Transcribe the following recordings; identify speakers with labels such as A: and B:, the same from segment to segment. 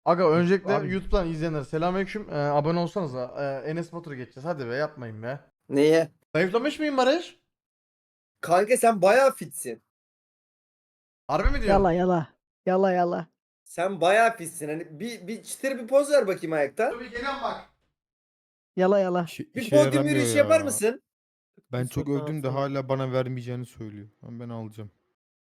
A: Aga öncelikle
B: Abi-
A: YouTube'dan izleyenler selamünaleyküm. Abone olsanız da Enes Batur'u geçeceğiz. Hadi be yapmayın be.
C: Neye?
A: Zayıflamış mıyım Barış?
C: Kanka sen bayağı fitsin.
A: Harbi mi diyorsun?
B: Yala yala. Yala yala.
C: Sen bayağı fitsin. Hani bir çıtır bir poz ver bakayım ayakta.
A: Tabii geliyorum bak.
B: Yala yala.
C: Bir
D: İşe
C: podyum
D: yaramıyor
C: yürüyüşü
D: ya.
C: yapar mısın?
D: Ben çok
E: Sokağın
D: övdüm de
E: altına.
D: hala bana vermeyeceğini söylüyor. Ben alacağım.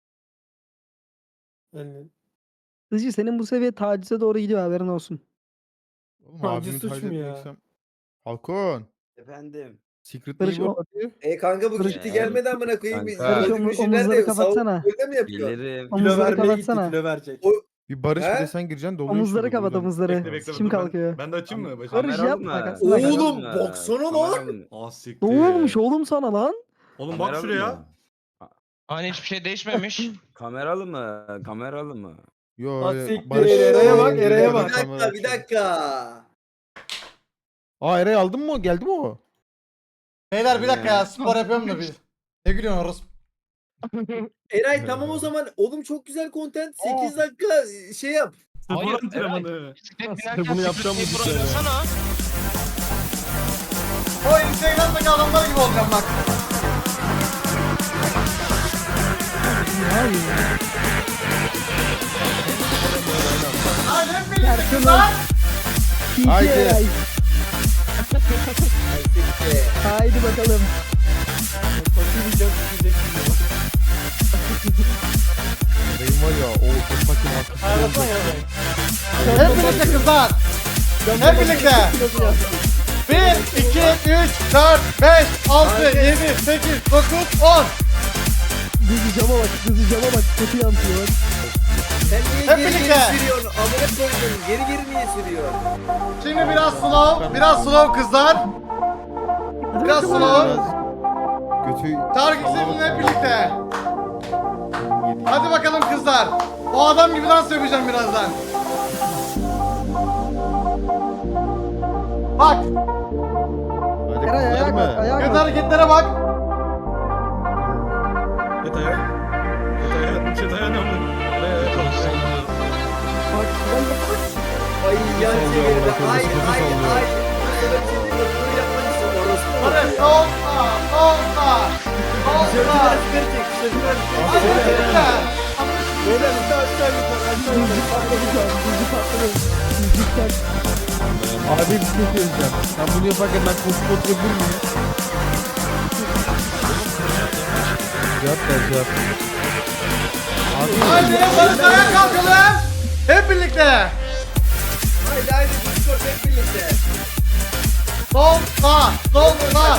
E: Yani
B: Hızcı senin bu seviye tacize doğru gidiyor, haberin olsun.
D: Oğlum
E: Taciz
D: abimi
E: suç
D: taciz
E: mu ya?
D: etmeksem. Halkon.
F: Efendim.
D: Secret
B: Barış,
D: Neighbor
B: o-
D: hadi.
C: Kanka bu
B: Barış-
C: gitti gelmedi amına koyayım. Biz
F: Kanka.
C: podyum
B: Barış,
C: yürüyüşü
B: omuzları
C: nerede?
B: kapatsana.
C: Öyle mi yapıyor?
F: Gelirim.
E: kilo
B: Omuzları
E: vermeye gitti,
B: kapatsana.
E: kilo verecek.
D: Bir Barış bir
C: He?
D: de sen gireceksin doluyor
B: Omuzları
D: şimdi
B: kapat,
D: buradan.
B: omuzları. Kim kalkıyor?
G: Ben de açayım mı?
B: Barış
F: Kameralı
B: yap,
F: mı?
B: bakarsın, bak.
C: Oğlum,
F: Kameralı mı?
C: baksana lan.
F: Kameralı mı?
G: Ah siktir.
B: Ne olmuş oğlum sana lan?
G: Oğlum bak
F: Kameralı
G: şuraya.
F: mı?
H: Hani hiçbir şey değişmemiş.
F: Kameralı mı? Kameralı mı?
D: Yo
E: Ah
D: yo,
E: siktir,
D: Barış.
E: Eray'a bak,
D: Barış-
E: Eray'a
C: Bir
E: bak.
C: dakika bir dakika.
D: Aa Eray aldın mı? Geldi mi o?
A: Beyler bir dakika ya spor yapıyorum da bir. Ne gülüyorsun orası?
C: Eray tamam o zaman. Oğlum çok güzel content. 8 dakika şey yap.
G: Spor
H: Hayır,
G: antrenmanı.
H: Bisiklet binerken
G: Bunu yapacağım bu
H: Secret
G: sene.
H: Neighbor oynasana.
A: O Instagram'daki adamlar gibi olacağım bak. Hadi hep birlikte kızlar.
D: Haydi.
B: Haydi. Haydi bakalım.
D: Eray'ın var ya o sakin arkası.
A: Hep birlikte kızlar. Hep birlikte. 1, 2, 3, 4, 5, 6, 7, 8, 9, 10.
B: Hızlı cama bak, hızlı cama bak. Kötü yansıyor bak.
C: Sen niye
A: Hep
C: geri
A: birlikte.
C: geri sürüyorsun? Amına koydum. Geri geri niye sürüyorsun?
A: Şimdi biraz slow kızlar. Biraz slow.
D: Götü
A: Şarkı sesini hep birlikte. Hadi bakalım kızlar. O adam gibi dans yapacağım birazdan. Bak,
D: Hadi
B: Eray ayağa
D: kızlar
B: kalk,
D: mı?
B: ayağa
A: göz
B: kalk.
A: hareketlere bak.
G: Yataya. Yataya ne oldu?
B: Bak, ben bak.
C: Ay yan
D: sallıyor,
C: çevirdi.
D: amına
C: Ay
D: koyayım,
C: ay
D: sallıyor.
C: ay. Bunu yapmak için orospu.
A: Hadi sol sağ, sol sağ, sol sağ. Hadi birlikte.
E: Böyle bir de aşağı yukarı aşağı
B: Hızlı
E: yukarı.
B: patladı şu an, hızlı patladı. Hızlı tak.
D: Abi bir şey söyleyeceğim. Sen bunu yaparken ben koşup oturabilir miyim? Cevap ver cevap. Abi
A: Haydi Barış ayağa kalkalım. Hep birlikte.
C: Haydi haydi Discord hep birlikte.
A: Sol sağ, sol sağ.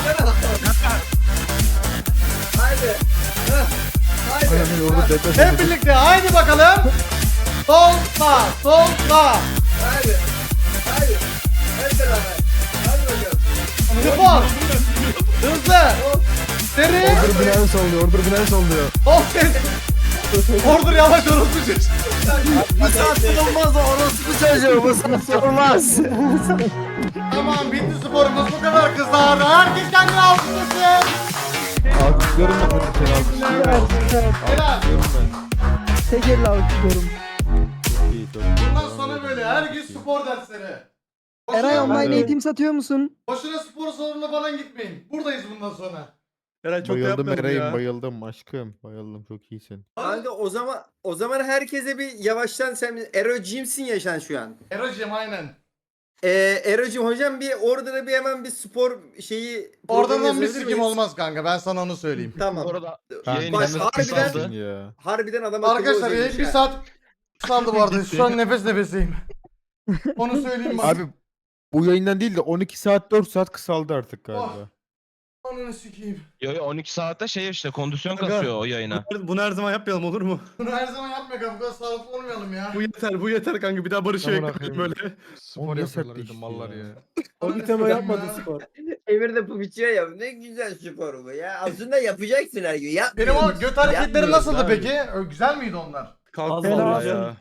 C: Haydi. Heh. Haydi.
D: Aynen orada deprem
A: Hep
D: oldu.
A: birlikte. Haydi bakalım. Sol sağ, sol sağ.
C: Haydi. Haydi. Hep beraber. Hadi bakalım.
A: Spor. Hızlı. Seri.
D: Order binen sallıyor, order binen sallıyor.
A: Sol ses. Ordur yavaş orospu çocuğu.
C: Bu saatte olmaz o orospu çocuğu. Bu saatte olmaz.
A: Tamam bitti sporumuz bu kadar kızlar. Herkes kendini alkışlasın.
D: Alkışlıyorum ben hadi seni alkışlıyorum.
B: Süper, süper.
A: Helal.
D: Alkışlıyorum ben.
B: Tek elle alkışlıyorum.
D: Çok iyi, çok iyi.
A: Bundan sonra böyle her gün spor dersleri.
B: Eray
A: Boşuna,
B: online
D: de-
B: eğitim satıyor musun?
A: boşuna spor salonuna falan gitmeyin. Buradayız bundan sonra.
G: Eray çok da
D: Bayıldım
G: yapmayalım
D: Eray'ım,
G: ya.
D: bayıldım aşkım. Bayıldım, çok iyisin.
C: Kanka o zaman herkese bir yavaştan sen Ero Jim'sin ya sen şu an.
A: Erocim aynen.
C: Ero'cum hocam bir orada da bir hemen bir spor şeyi
A: Oradan
C: programı
A: bir
C: yazabilir
A: sikim
C: miyiz?
A: olmaz kanka ben sana onu söyleyeyim.
C: Tamam.
H: Orada
D: Ben
H: yayın
C: Bak,
D: kendisi
C: harbiden-
D: kısalsın ya.
C: Harbiden adam akıllı
A: Arkadaşlar
C: olacakmış
A: bir
C: ha.
A: saat saldı bu arada. Şu an nefes nefeseyim. Onu söyleyeyim bak.
D: Abi bu yayından değil de 12 saat 4 saat kısaldı artık galiba.
A: Oh. Ananı sikeyim.
H: yo, yo, 12 saatte şey işte kondisyon
G: Aga.
H: kasıyor o yayına.
G: Bunu her zaman yapmayalım olur mu?
A: Bunu her zaman yapma kanka. Bu kadar sağlıklı olmayalım ya.
G: Bu yeter kanka. Bir daha Barış'a
D: Tamam,
G: ekleyelim
D: bakayım.
G: böyle.
D: Spor yapıyorlar işte mallar ya.
E: O bir tema yapmadı spor.
C: Emir de bu bitiyor ya. Ne güzel spor bu ya. Aslında yapacaksın her gün.
A: Benim
C: Yapmıyorsun.
A: o göt hareketleri
C: Yapmıyoruz
A: nasıldı
G: abi.
A: peki? Güzel miydi onlar?
G: Kalk
E: Helal
G: vallahi
E: olsun.
G: ya.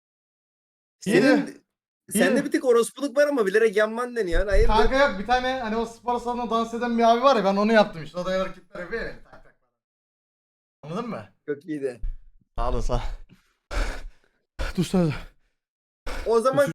C: Sende bir tık orospuluk var ama bilerek yanman deniyor. Hayır.
A: Kanka yok bir tane hani o spor salonunda dans eden bir abi var ya ben onu yaptım işte. O da hareketler yapıyor ya. Tak, tak, tak. Anladın mı?
C: Çok iyiydi.
A: Sağ olasın. Dur
C: O zaman